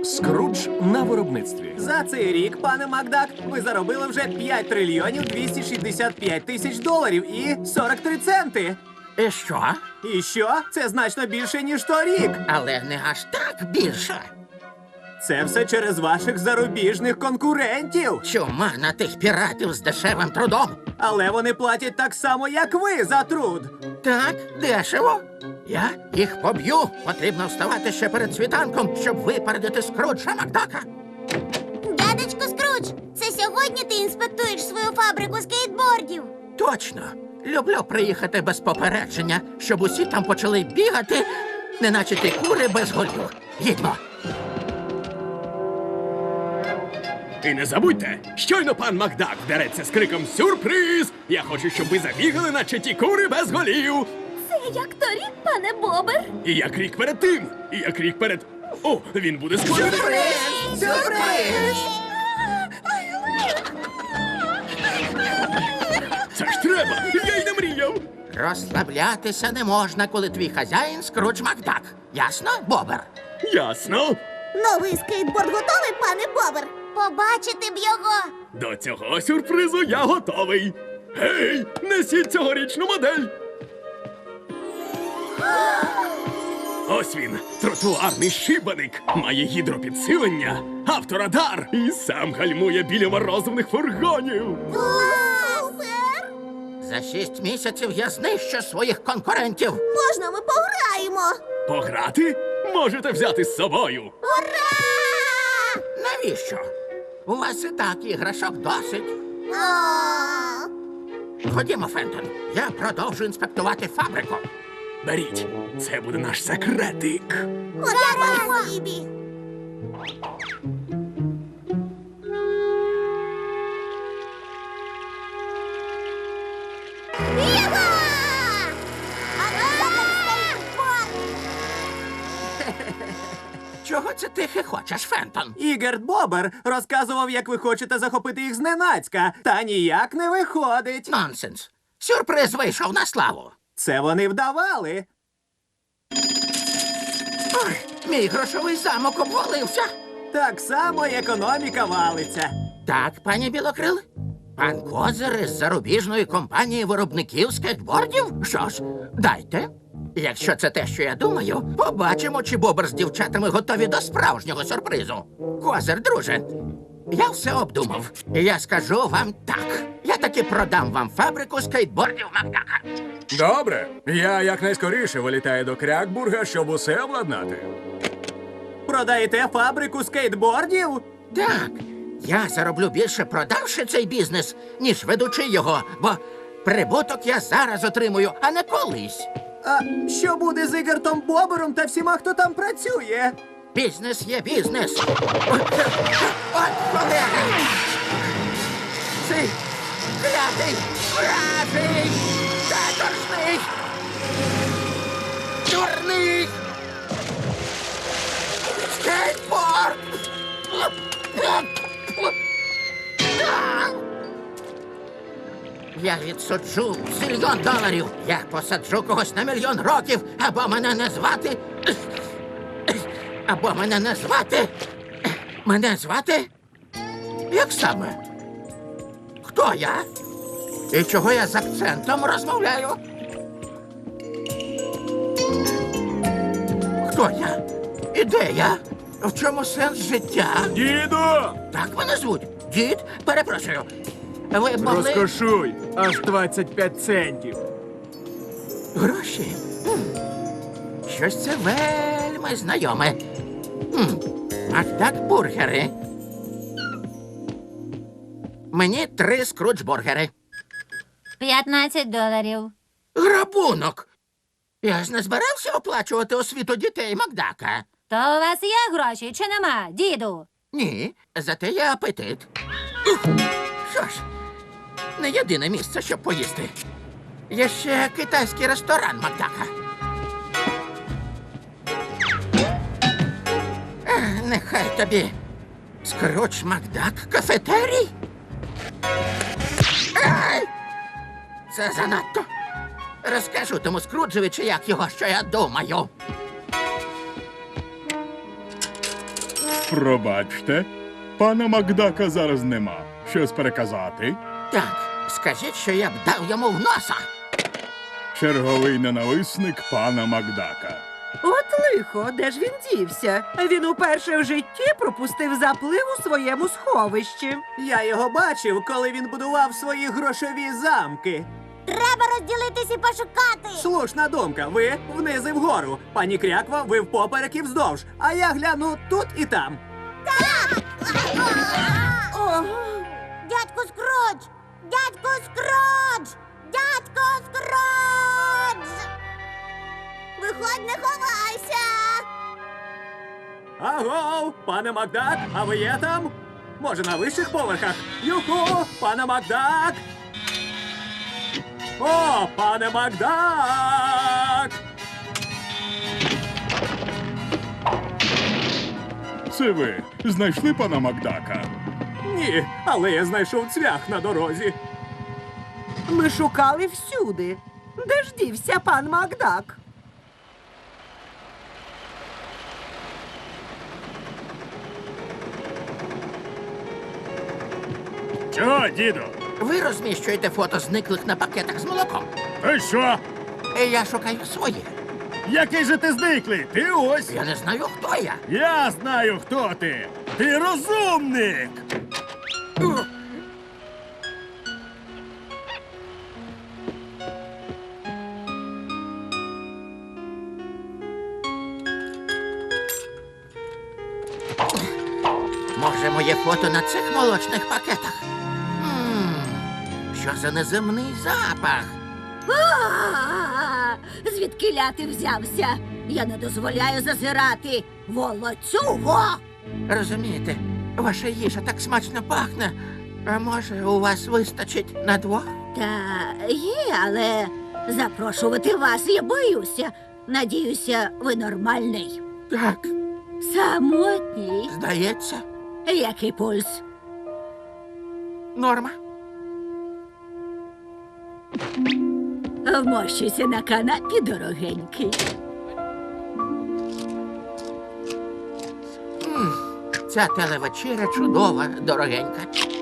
Скрудж на виробництві. За цей рік, пане Макдак, ви заробили вже 5 трильйонів 265 тисяч доларів і 43 центи. І що? І що? Це значно більше, ніж торік. Але не аж так більше. Це все через ваших зарубіжних конкурентів. Чума на тих піратів з дешевим трудом. Але вони платять так само, як ви за труд. Так, дешево. Я їх поб'ю. Потрібно вставати ще перед світанком, щоб випередити Скруджа Макдака. Дядечко Скрудж, це сьогодні ти інспектуєш свою фабрику скейтбордів? Точно. Люблю приїхати без попередження, щоб усі там почали бігати, неначе ті кури без голів. Їдьмо. І не забудьте, щойно пан Макдак вдареться з криком «Сюрприз!», я хочу, щоб ви забігали, наче ті кури без голів. Це як торік, пане Бобер. І як рік перед тим, і як рік перед... О, він буде скоро. Сюрприз! Це ж треба, я й не мріяв. Розслаблятися не можна, коли твій хазяїн Скрудж Макдак. Ясно, Бобер? Ясно. Новий скейтборд готовий, пане Бобер? Побачити б його. До цього сюрпризу я готовий. Гей, несіть цьогорічну модель. Ось він, тротуарний шибаник, має гідропідсилення, авторадар і сам гальмує біля морозивних фургонів. Супер! За 6 місяців я знищу своїх конкурентів. Можна ми пограємо? Пограти? Можете взяти з собою. Ура! Навіщо? У вас і так іграшок досить. Ходімо, Фентон. Я продовжу інспектувати фабрику. Беріть, це буде наш секретик. Ура, Фібі! Чого це ти хихочеш, Фентон? Ігерт Бобер розказував, як ви хочете захопити їх зненацька, та ніяк не виходить. Нонсенс. Сюрприз вийшов на славу. Це вони вдавали. Ой, мій грошовий замок обвалився. Так само й економіка валиться. Так, пані Білокрил? Пан Козир із зарубіжної компанії виробників скейтбордів? Що ж, дайте. Якщо це те, що я думаю, побачимо, чи Бобер з дівчатами готові до справжнього сюрпризу. Козир, друже, я все обдумав. І я скажу вам так. Я таки продам вам фабрику скейтбордів Макдака. Добре. Я якнайскоріше вилітаю до Крякбурга, щоб усе обладнати. Продаєте фабрику скейтбордів? Так, я зароблю більше, продавши цей бізнес, ніж ведучи його, бо прибуток я зараз отримую, а не колись. А що буде з Ігертом Бобером та всіма, хто там працює? Бізнес є бізнес. От холера! Цей клятий, вражий, каторжний, дурний скейтборд! Я відсуджу $1 000 000. Я посаджу когось на 1 000 000 років, або мене не звати. Або мене не звати. Мене звати? Як саме? Хто я? І чого я з акцентом розмовляю? Хто я? І де я? В чому сенс життя? Діду! Так мене звуть. Дід? Перепрошую. Ви могли... Розкошуй! Аж 25 центів. Гроші? Щось це вельми знайоме. Макдак бургери. Мені 3 скрудж-бургери. $15. Грабунок! Я ж не збирався оплачувати освіту дітей Макдака. То у вас є гроші чи нема, діду? Ні, зате є апетит. Що ж, не єдине місце, щоб поїсти. Є ще китайський ресторан Макдака. Нехай тобі. Скрудж Макдак кафетерій? Ай! Це занадто. Розкажу тому Скруджеві, чи як його, що я думаю. Пробачте, пана Макдака зараз нема. Щось переказати? Так, скажіть, що я б дав йому в носа. Черговий ненависник пана Макдака. От лихо, де ж він дівся? Він уперше в житті пропустив заплив у своєму сховищі. Я його бачив, коли він будував свої грошові замки. Треба розділитись і пошукати. Слушна думка. Ви вниз і вгору. Пані Кряква, ви впоперек і вздовж. А я гляну тут і там. Дядько Скрудж! Дядько Скрудж! Дядько Скрудж! Виходь, не ховайся! Аго, пане Макдак, а ви є там? Може, на вищих поверхах? Юху, пане Макдак! О, пане Макдак! Це ви знайшли пана Макдака? Ні, але я знайшов цвях на дорозі. Ми шукали всюди. Де ж дівся пан Макдак? Чого, діду? Ви розміщуєте фото зниклих на пакетах з молоком. Ти що? Я шукаю своє. Який же ти зниклий? Ти ось. Я не знаю, хто я. Я знаю, хто ти. Ти розумник. Може, моє фото на цих молочних пакетах? Що за неземний запах? Звідкиля ти взявся? Я не дозволяю зазирати. Волоцюго! Розумієте, ваша їжа так смачно пахне. А може, у вас вистачить на двох? Та є, але запрошувати вас я боюся. Надіюся, ви нормальний. Так, Самотній. здається, Який пульс? норма. Вмощуйся на канапі, дорогенький. Ця телевечеря чудова, дорогенька.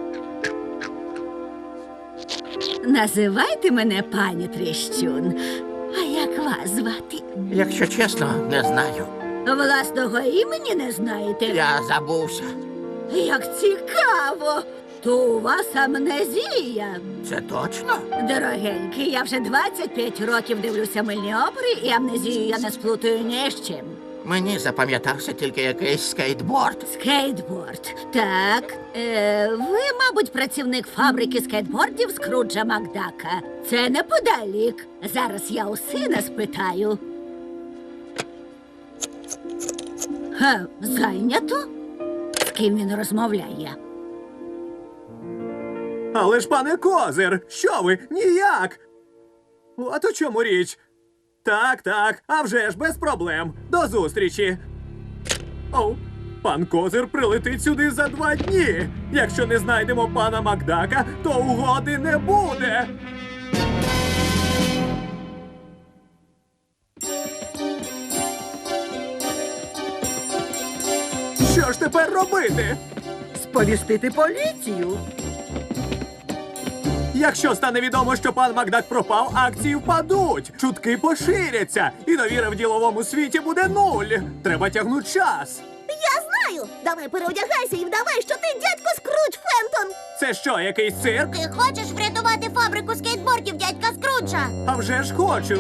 Називайте мене пані Тріщун. А як вас звати? Якщо чесно, не знаю. Власного імені не знаєте? Я забувся. Як цікаво! То у вас амнезія. Це точно? Дорогенький, я вже 25 років дивлюся мильні опери, і амнезію я не сплутаю ні з чим. Мені запам'ятався тільки якийсь скейтборд. Скейтборд. Так. Ви, мабуть, працівник фабрики скейтбордів Скруджа Макдака. Це неподалік. Зараз я у сина спитаю. Зайнято? З ким він розмовляє? Але ж, пане Козир, що ви? Ніяк! От у чому річ. Так, а вже ж без проблем. До зустрічі. Оу, пан Козир прилетить сюди за 2 дні. Якщо не знайдемо пана Макдака, то угоди не буде. Що ж тепер робити? Сповістити поліцію. Якщо стане відомо, що пан Макдак пропав, акції впадуть, чутки поширяться, і довіра в діловому світі буде 0. Треба тягнути час. Я знаю! Давай переодягайся і вдавай, що ти дядько Скрудж Фентон! Це що, якийсь цирк? Ти хочеш врятувати фабрику скейтбордів дядька Скруджа? А вже ж хочу.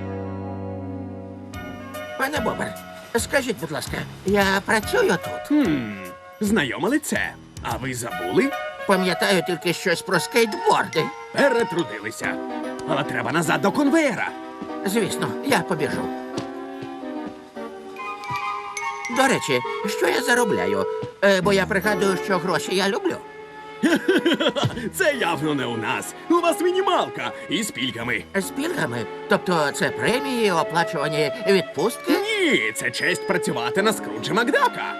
Пане Бобер, скажіть, будь ласка, я працюю тут. Знайоме лице. А ви забули? Пам'ятаю тільки щось про скейтборди. Перетрудилися. Але треба назад до конвейера. Звісно, я побіжу. До речі, що я заробляю? Бо я пригадую, що гроші я люблю. Це явно не у нас. У вас мінімалка із пільгами. З пільгами? Тобто це премії, оплачувані відпустки? Ні, це честь працювати на Скруджа Макдака.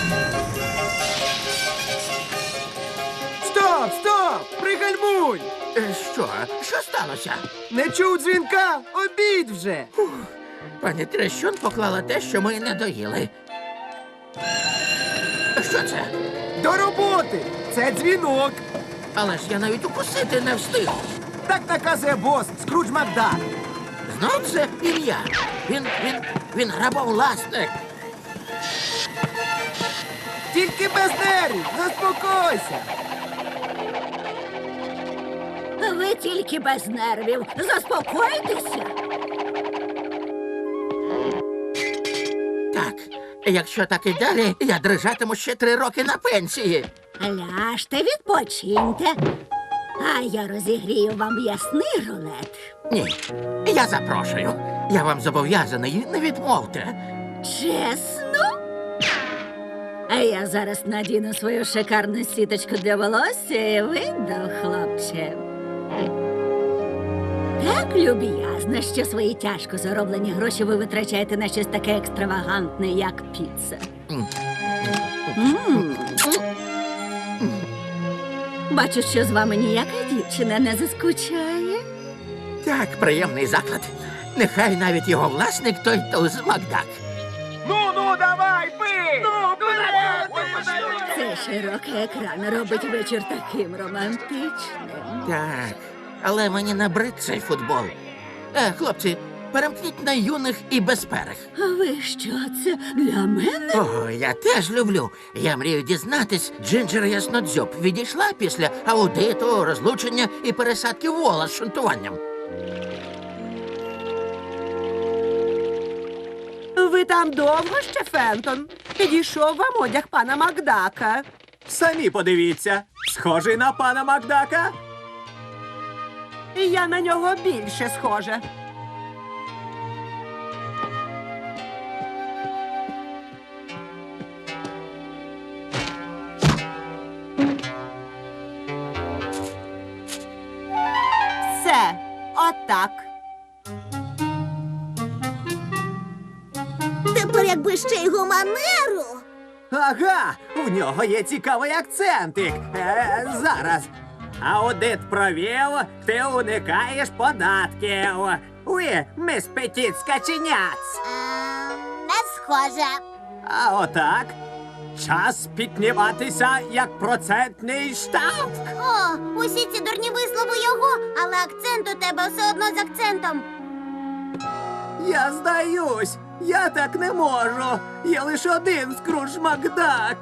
Стоп! Пригальмуй! Що? Що сталося? Не чув дзвінка? Обід вже! Пані Трещун поклала те, що ми не доїли. Що це? До роботи! Це дзвінок! Але ж я навіть укусити не встиг. Так наказує бос Скрудж Макдак. Знов це ім'я. Він грабовласник. Тільки без нервів! Заспокойся! Ви тільки без нервів. Заспокойтеся. Так, якщо так і далі, я дрижатиму ще 3 роки на пенсії. Ляжте, відпочиньте. А я розігрію вам м'ясний рулет. Ні, я запрошую. Я вам зобов'язаний, не відмовте. Чесно? А я зараз надіну свою шикарну сіточку для волосся і вийду, хлопче. Так люб'язно, що свої тяжко зароблені гроші ви витрачаєте на щось таке екстравагантне, як піца. Бачу, що з вами ніяка дівчина не заскучає. Так, приємний заклад. Нехай навіть його власник той туз Макдак. Ну, давай, пий! Цей широкий екран робить вечір таким романтичним. Так, але мені набрид цей футбол. Хлопці, перемкніть на юних і безперих. А ви що, це для мене? О, я теж люблю. Я мрію дізнатись, Джинджер Яснодзьоб відійшла після аудиту, розлучення і пересадки вола з шунтуванням. Ви там довго ще, Фентон? Підійшов вам одяг пана Макдака. Самі подивіться. Схожий на пана Макдака? І я на нього більше схожа. Все, отак. Тепер якби ще й гуманеру. Ага, в нього є цікавий акцентик. Зараз. Аудит провів, ти уникаєш податків. Ви, міс Петіт Скаченяц. Не схоже. А отак. Час підніматися як процентний штамп. О, усі ці дурні вислови його, але акцент у тебе все одно з акцентом. Я здаюсь. Я так не можу. Є лише один Скрудж Макдак.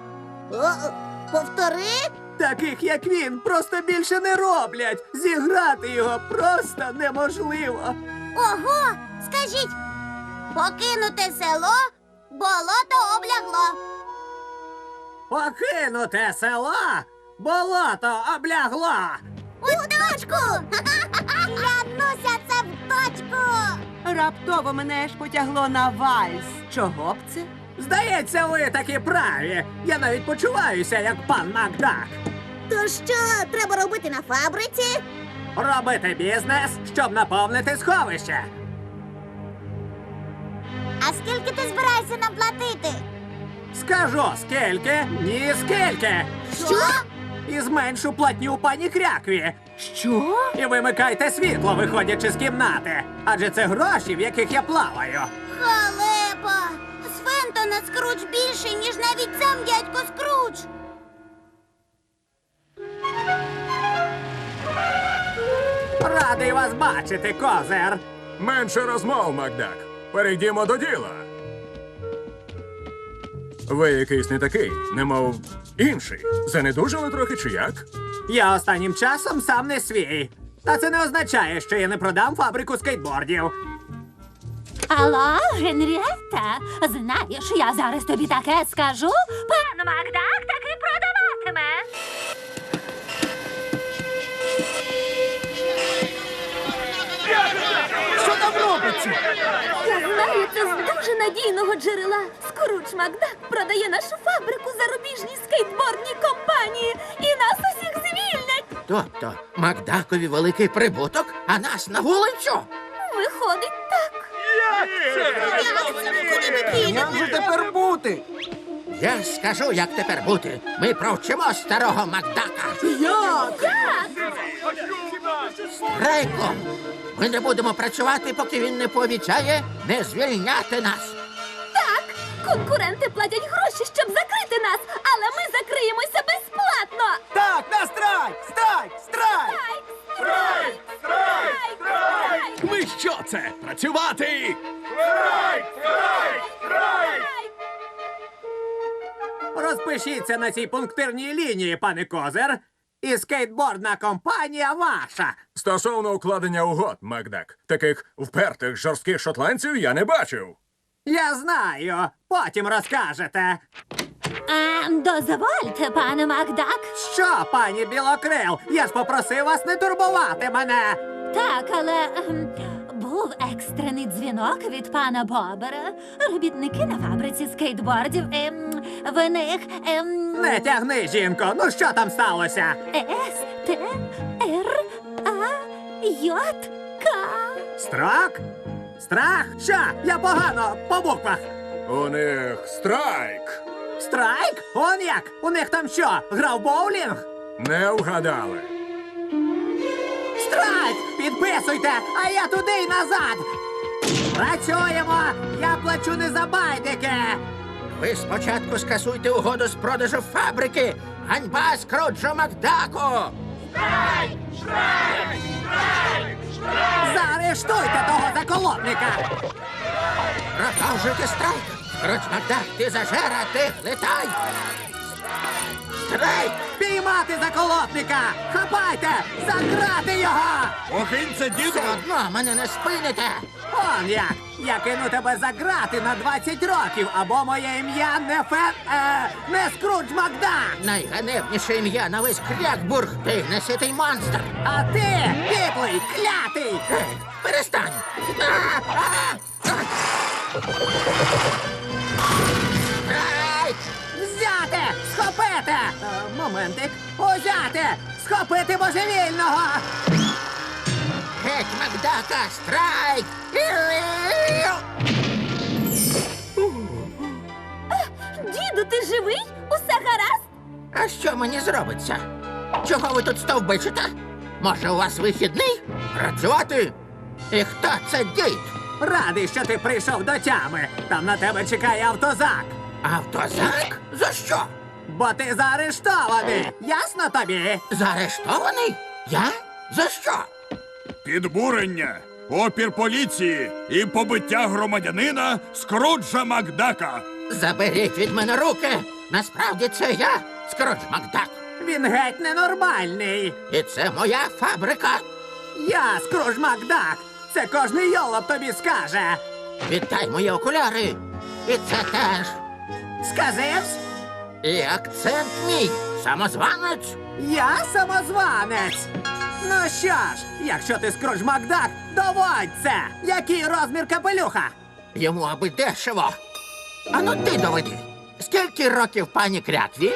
Повтори. Таких, як він, просто більше не роблять. Зіграти його просто неможливо. Ого, скажіть, покинуте село, болото облягло. Покинуте село, болото облягло. У точку! Клянуся, це в точку! Раптово мене ж потягло на вальс. Чого б це? Здається, ви таки праві. Я навіть почуваюся, як пан Макдак. То що треба робити на фабриці? Робити бізнес, щоб наповнити сховище. А скільки ти збираєшся нам платити? Скажу, скільки, ні скільки. Що? І зменшу платню пані Крякві. Що? І вимикайте світло, виходячи з кімнати. Адже це гроші, в яких я плаваю. Халепа! З Фентона Скрудж більше, ніж навіть сам дядько Скрудж. Радий вас бачити, козир. Менше розмов, Макдак. Перейдімо до діла. Ви якийсь не такий, немов інший. Занедужали трохи чи як? Я останнім часом сам не свій. Та це не означає, що я не продам фабрику скейтбордів. Алло, Генрієта, знаєш, я зараз тобі таке скажу. Пан Макдак таки продаватиме. Що там робиться? Я знаю, це з дуже надійного джерела. Скрудж Макдак продає нашу фабрику зарубіжній скейтбордній компанії. І нас усіх звільнять. Тобто, Макдакові великий прибуток, а нас на вулицю? Виходить так. Як же тепер бути? Я скажу, як тепер бути. Ми провчимо старого Макдака. Як? Так. Рейко, ми не будемо працювати, поки він не пообіцяє не звільняти нас. Так, конкуренти платять гроші, щоб закрити нас, але ми закриємося безплатно. Так, на страйк! Страйк! Страйк! Страйк! Страйк! Страйк! Ви що це? Працювати! Розпишіться на цій пунктирній лінії, пане Козир, і скейтбордна компанія ваша. Стосовно укладення угод, Макдак, таких впертих жорстких шотландців я не бачив. Я знаю, потім розкажете. Дозвольте, пане Макдак. Що, пані Білокрил, я ж попросив вас не турбувати мене. Так, але був екстрений дзвінок від пана Бобера. Робітники на фабриці скейтбордів. В них Не тягни, жінко, ну що там сталося? С-Т-Р-А-Й-К. Страх? Страх? Що? Я погано по буквах. У них страйк. Страйк? Он як? У них там що? Грав боулінг? Не вгадали. Страйк! Підписуйте, а я туди й назад. Працюємо! Я плачу не за байдики! Ви спочатку скасуйте угоду з продажу фабрики. Ганьба Скруджу Макдаку! Заарештуйте того заколотника! Продовжуйте страйк! Скрудж Макдак, ти зажера, ти летай! Страйк! Піймати заколотника! Хапайте! Заграти його! Охинця, діду! Все одно мене не спините! Он як! Я кину тебе за грати на 20 років, або моє ім'я не Скрудж Макдак! Найганебніше ім'я на весь Крякбург, ти неситий монстр! А ти, підлий, клятий! Гей, перестань! Страйк! Взяти! Схопити! Моментик! Узяти! Схопити божевільного! Геть Макдака! Страйк! Діду, ти живий? Усе гаразд? А що мені зробиться? Чого ви тут стовбичите? Може, у вас вихідний? Працювати? І хто це дід? Радий, що ти прийшов до тями. Там на тебе чекає автозак. Автозак? За що? Бо ти заарештований. Ясно тобі? Заарештований? Я? За що? Підбурення, опір поліції і побиття громадянина Скруджа Макдака. Заберіть від мене руки! Насправді це я, Скрудж Макдак. Він геть ненормальний. І це моя фабрика. Я Скрудж Макдак. Це кожний йолоп тобі скаже. Віддай мої окуляри. І це теж. Сказивсь? І акцент мій. Самозванець. Я самозванець. Ну що ж, якщо ти Скрудж Макдак, доводь це. Який розмір капелюха? Йому аби дешево. Ану ти доведи. Скільки років пані Крякві?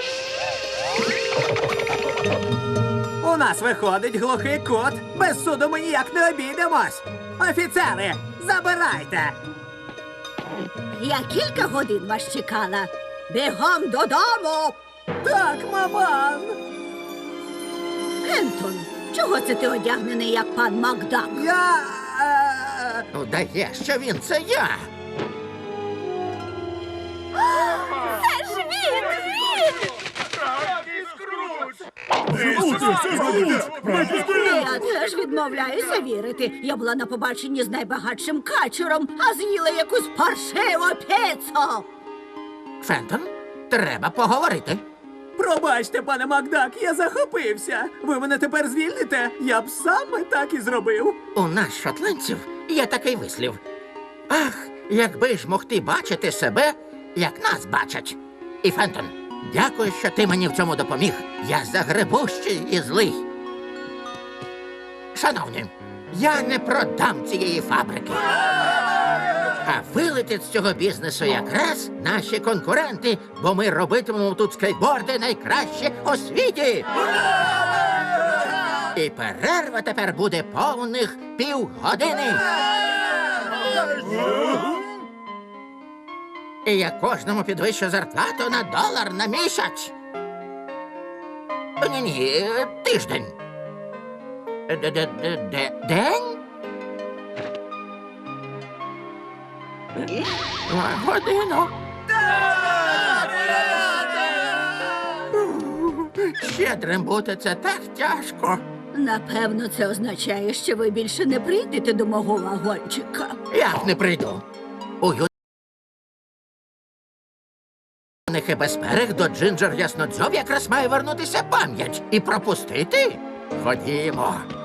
У нас виходить глухий кут. Без суду ми ніяк не обійдемось. Офіцери, забирайте. Я кілька годин вас чекала. Бігом додому! Так, маман. Ентон, чого це ти одягнений, як пан Макдак? Я... Вдає, що він це я. Це ж він! Я теж відмовляюся вірити. Я була на побаченні з найбагатшим качером, а з'їла якусь паршиву піцу. Фентон, треба поговорити. Пробачте, пане Макдак, я захопився. Ви мене тепер звільните? Я б саме так і зробив. У нас, шотландців, є такий вислів. Ах, якби ж мог ти бачити себе, як нас бачать. І, Фентон, дякую, що ти мені в цьому допоміг. Я загребущий і злий. Шановні, я не продам цієї фабрики. А вилетять з цього бізнесу якраз наші конкуренти, бо ми робитимемо тут скейтборди найкраще у світі. І перерва тепер буде повних півгодини. І я кожному підвищу зарплату на $1 на місяць. Ні-ні, тиждень. День? Годину. Щедрим бути це так тяжко. Напевно, це означає, що ви більше не прийдете до мого вагончика. Як не прийду? У юних і безперег до Джинджер Яснодзьоб якраз має вернутися пам'ять і пропустити. Ходімо.